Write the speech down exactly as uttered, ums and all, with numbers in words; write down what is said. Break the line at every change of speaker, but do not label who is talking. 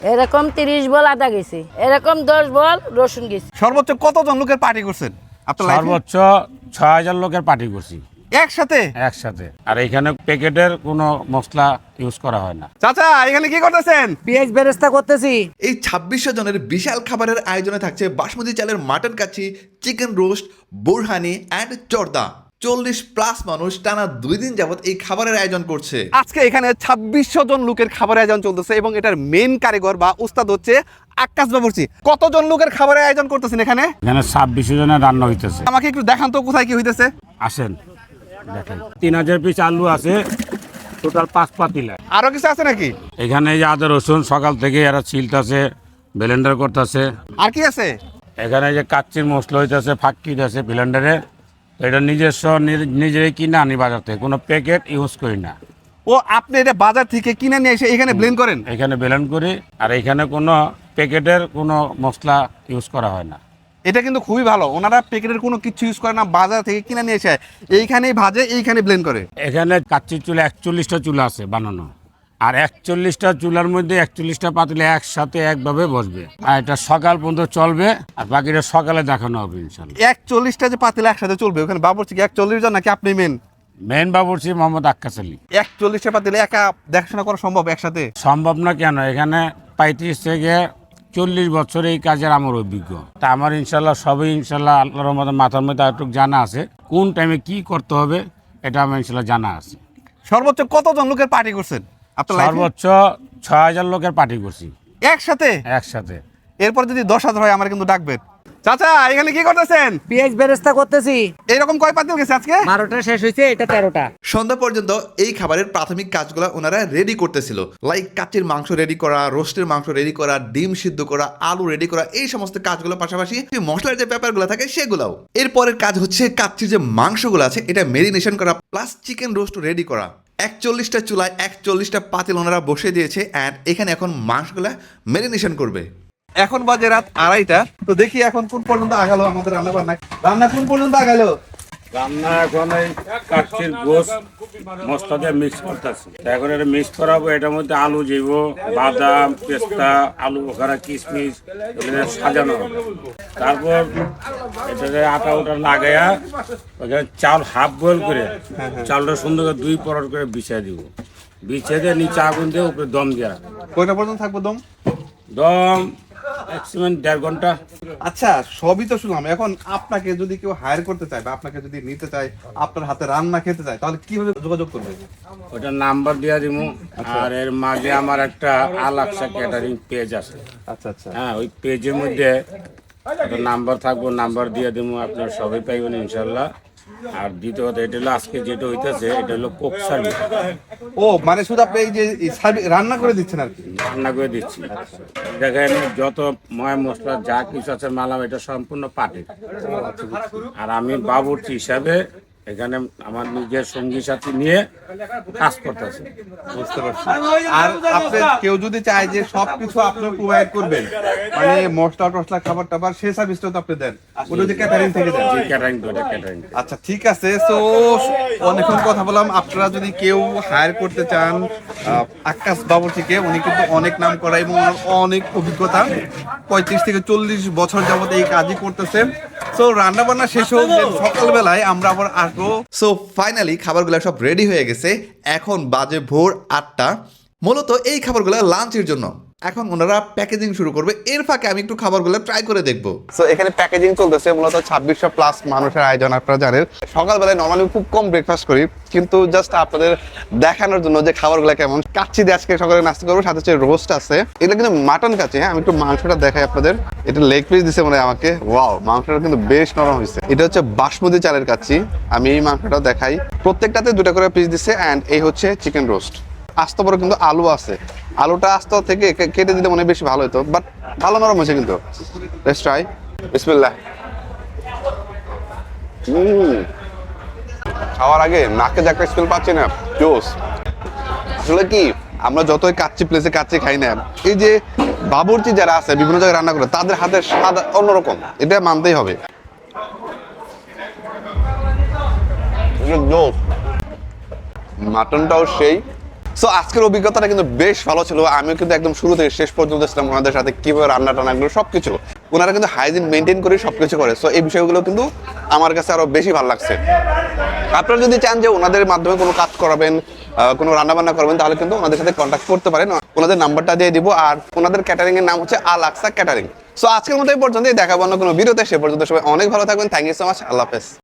এরকম তিরিশ বল আদা গেছে, এরকম দশ বল রসুন গেছে।
সর্বোচ্চ কতজন লোকের পার্টি করছেন আপনার লাইফে?
সর্বোচ্চ ছয় হাজার লোকের পার্টি করছি
একসাথে
একসাথে। আর এখানে প্যাকেটের কোনো মশলা ইউজ করা হয় না।
চাচা এখানে কি করতেছেন?
পেঁয়াজ বেরেস্তা করতেছি।
এই ছাব্বিশশো জনের বিশাল খাবারের আয়োজনে থাকছে বাসমতি চালের mutton kacchi, chicken roast, borhani and চর্দা। চল্লিশ প্লাস মানুষ টানা দুই দিন যাবত এই খাবারের আয়োজন করছে।
আজকে এখানে ছাব্বিশশো জন লোকের খাবারের আয়োজন চলতেছে এবং এটার মেন কারিগর বা উস্তাদ হচ্ছে আক্কাস বাবুর্চি। কতজন লোকের খাবারের আয়োজন করতেছেন এখানে?
এখানে ছাব্বিশ জনের রান্না হইতেছে।
আমাকে একটু দেখান তো কোথায় কি হইতেছে।
আসেন দেখেন, তিন হাজার পিস আলু আছে, টোটাল পাঁচ পাতিলা।
আরো কিছু আছে নাকি?
এখানে এই যে আদা রসুন সকাল থেকে এরা ছিলতেছে, ব্লেন্ডার করতেছে।
আর কি আছে?
এখানে যে কাচ্চির মশলা হইতেছে, ফাঁকি আছে ব্লেন্ডারে। তো এটা নিজস্ব নিজ- নিজেরাই কিনে আনি বাজার থেকে, কোনো প্যাকেট ইউজ করি না।
ও আপনি এটা বাজার থেকে কিনে নিয়ে এসে এখানে ব্লেন্ড করেন?
এখানে ব্লেন্ড করি, আর এখানে কোনো প্যাকেটের কোনো মশলা ইউজ করা হয় না।
এটা কিন্তু খুবই ভালো, ওনারা প্যাকেটের কোনো কিছু ইউজ করে না, বাজার থেকে কিনে নিয়ে এসে এইখানেই ভাজে, এইখানে ব্লেন্ড করে।
এখানে কাচ্চির চুলা একচল্লিশটা চুলা আছে বানানো, আর একচল্লিশটা চুলার মধ্যে একচল্লিশটা পাতিলে একসাথে একভাবে বসবে। আর এটা সকাল পর্যন্ত চলবে, আর বাকিটা সকালে দেখানো হবে ইনশাল্লাহ।
একচল্লিশটা যে পাতিল একসাথে চলবে, ওখানে বাবুর্চি কি একচল্লিশ জন নাকি আপনি মেন?
মেন বাবুর্চি মোহাম্মদ আক্কাস আলী।
একচল্লিশটা পাতিল একা দেখাশোনা করা সম্ভব একসাথে?
সম্ভব না কেন, এখানে পঁয়ত্রিশ থেকে চল্লিশ বছর এই কাজের আমার অভিজ্ঞ। তা আমার ইনশাল্লাহ সবই ইনশাল্লাহ আল্লাহর রহমতে মাথার মধ্যে একটু জানা আছে, কোন টাইমে কি করতে হবে এটা আমার ইনশাল্লাহ জানা আছে।
সর্বোচ্চ কতজন লোকের পার্টি করছেন আপনার লাইফে?
সর্বোচ্চ ছয় হাজার লোকের পার্টি করছি
একসাথে?
একসাথে।
এরপর যদি দশ হাজার হয় আমার কিন্তু ডাকবেন। চাচা এখানে কি করতেছেন?
পেঁয়াজ বেরেস্তা করতেছি।
এরকম কয় পাতিল গেছে আজকে?
বারোটা শেষ হয়েছে, এটা তেরোটা।
সন্ধ্যা পর্যন্ত এই খাবারের প্রাথমিক কাজগুলো ওনারা রেডি করতেছিল, লাইক কাচ্চির মাংস রেডি করা, রোস্টের মাংস রেডি করা, ডিম সিদ্ধ করা, আলু রেডি করা, এই সমস্ত কাজগুলো পাশাপাশি মশলার যে ব্যাপারগুলো থাকে সেগুলোও। এরপরের কাজ হচ্ছে কাচ্চির যে মাংসগুলো আছে এটা মেরিনেশন করা, প্লাস চিকেন রোস্ট রেডি করা। একচল্লিশটা চুলায় একচল্লিশটা পাতিল ওনারা বসে দিয়েছে, অ্যান্ড এখানে এখন মাংসগুলা মেরিনেশন করবে।
এখন বাজে রাত আড়াইটা, তো দেখি এখন কোন পর্যন্ত আগালো আমাদের রান্না বান্না। রান্না কোন পর্যন্ত আগালো?
রান্না এখন এই কাচ্চির গোস্ত মশলা দিয়ে মিক্স করতেছি। এখন এটা মিক্স করাবো, এটার মধ্যে আলু দিব, বাদাম, পেস্তা, আলু বোখারা, কিশমিশ এগুলো সাজানো হবে। তারপর এটাতে আটা উটা লাগাইয়া ওখানে চাল হাফ বয়েল করে চালটা সুন্দর করে দুই পরট করে বিছিয়ে দিব। বিছিয়ে দিয়ে নিচে আগুন দিয়ে উপরে দম দেওয়া।
কয়টা পর্যন্ত থাকবো দম?
দম ম্যাক্সিমাম দেড় ঘন্টা।
আচ্ছা সবই তো শুনলাম, এখন আপনাকে যদি কেউ হায়ার করতে চায় বা আপনাকে যদি নিতে চায়, আপনার হাতে রান্না খেতে চায়, তাহলে কিভাবে যোগাযোগ করবে?
ওটা নাম্বার দিয়ে দিব, আর এর মাঝে আমার একটা আলাক্সা ক্যাটারিং পেজ আছে।
আচ্ছা আচ্ছা।
হ্যাঁ, ওই পেজের মধ্যে একটা নাম্বার থাকবো, নাম্বার দিয়ে দেবো, আপনারা সবাই পাইবেন ইনশাল্লাহ। আর দ্বিতীয় কথা, এটা হলো আজকে যেটা হইতেছে এটা হলো কোক সার্ভিস।
ও মানে শুধু আপনি এই যে এই সার্ভি- রান্না করে দিচ্ছেন আর কি?
রান্না করে দিচ্ছি। দেখেন যত ময় মশলা যা কিছু আছে মালাম এটা সম্পূর্ণ পাটের। আর আমি বাবুর্চি হিসাবে এখানে আমার নিজের সঙ্গী সাথী নিয়ে কাজ করতেছি।
বুঝতে পারছি। আর আপনি কেউ যদি চায় যে সবকিছু আপনি প্রোভাইড করবেন, মানে মশলা টসলা খাবার টাবার, সেই সার্ভিসটা তো আপনি দেন, ওটা যদি ক্যাটারিং থেকে দেন?
ক্যাটারিং করে ক্যাটারিং।
আচ্ছা ঠিক আছে। তো অনেকক্ষণ কথা বললাম, আপনারা যদি কেউ হায়ার করতে চান আহ, আক্কাস বাবুর্চিকে, উনি কিন্তু অনেক নাম করা এবং ওনার অনেক অভিজ্ঞতা, পঁয়ত্রিশ থেকে চল্লিশ বছর যাবত এই কাজই করতেছেন। সো রান্না বান্না শেষ হোক, সকালবেলায় আমরা আবার আসবো।
সো ফাইনালি খাবারগুলো সব রেডি হয়ে গেছে। এখন বাজে ভোর আটটা। মূলত এই খাবারগুলো লাঞ্চের জন্য। এখন ওনারা প্যাকেজিং শুরু করবে, এর ফাঁকে আমি একটু খাবারগুলো ট্রাই করে দেখবো।
সো এখানে প্যাকেজিং চলতেছে, মূলত ছাব্বিশশো প্লাস মানুষের আয়োজন। আপনারা জানেন সকালবেলায় নর্মালি খুব কম ব্রেকফাস্ট করি, কিন্তু জাস্ট আপনাদের দেখানোর জন্য যে খাবারগুলো কেমন। কাচ্চি দিয়ে আজকে সকালে নাস্তা করবো, সাথে হচ্ছে রোস্ট আছে। এটা কিন্তু মাটন কাচ্চি। হ্যাঁ, আমি একটু মাংসটা দেখাই আপনাদের। এটা লেগ পিস দিছে মনে হয় আমাকে। ওয়াও, মাংসটা কিন্তু বেশ নরম হয়েছে। এটা হচ্ছে বাসমতি চালের কাচ্চি। আমি এই মাংসটাও দেখাই। প্রত্যেকটাতে দুটা করে পিস দিছে, অ্যান্ড এই হচ্ছে চিকেন রোস্ট। আস্ত বড় কিন্তু আলু আছে, আলুটা আস্ত থেকে কেটে দিলে মনে বেশি ভালো হতো, বাট ভালো নরম হয়েছে কিন্তু। Let's try. বিসমিল্লাহ। হুম, খাওয়ার আগে নাকে যে একটা স্মেল পাচ্ছি না, জোস। আসলে কি, আমরা যতই কাচ্চি প্লেসে কাচ্চি খাই না, এই যে বাবুর্চি যারা আছে বিভিন্ন জায়গায় রান্না করে, তাদের হাতের স্বাদ অন্যরকম, এটা মানতেই হবে। মাটনটাও সেই, সো আজকের অভিজ্ঞতাটা কিন্তু বেশ ভালো ছিল। আমিও কিন্তু একদম শুরু থেকে শেষ পর্যন্ত ছিলাম ওনাদের সাথে, কীভাবে রান্না টান্নাগুলো সব কিছু ওনারা কিন্তু হাইজিন মেনটেন করে সব কিছু করে। সো এই বিষয়গুলো কিন্তু আমার কাছে আরও বেশি ভালো লাগছে। আপনারা যদি চান যে ওনাদের মাধ্যমে কোনো কাজ করাবেন, কোনো রান্নাবান্না করবেন, তাহলে কিন্তু ওনাদের সাথে কন্ট্যাক্ট করতে পারেন। ওনাদের নাম্বারটা দিয়ে দিব। আর ওনাদের ক্যাটারিং এর নাম হচ্ছে আল আকসা ক্যাটারিং। সো আজকের মতো এই পর্যন্তই, দেখাবো অন্য কোনো ভিডিওতে। সে পর্যন্ত সবাই অনেক ভালো থাকবেন। Thank you so much. আল্লাহ হাফেজ।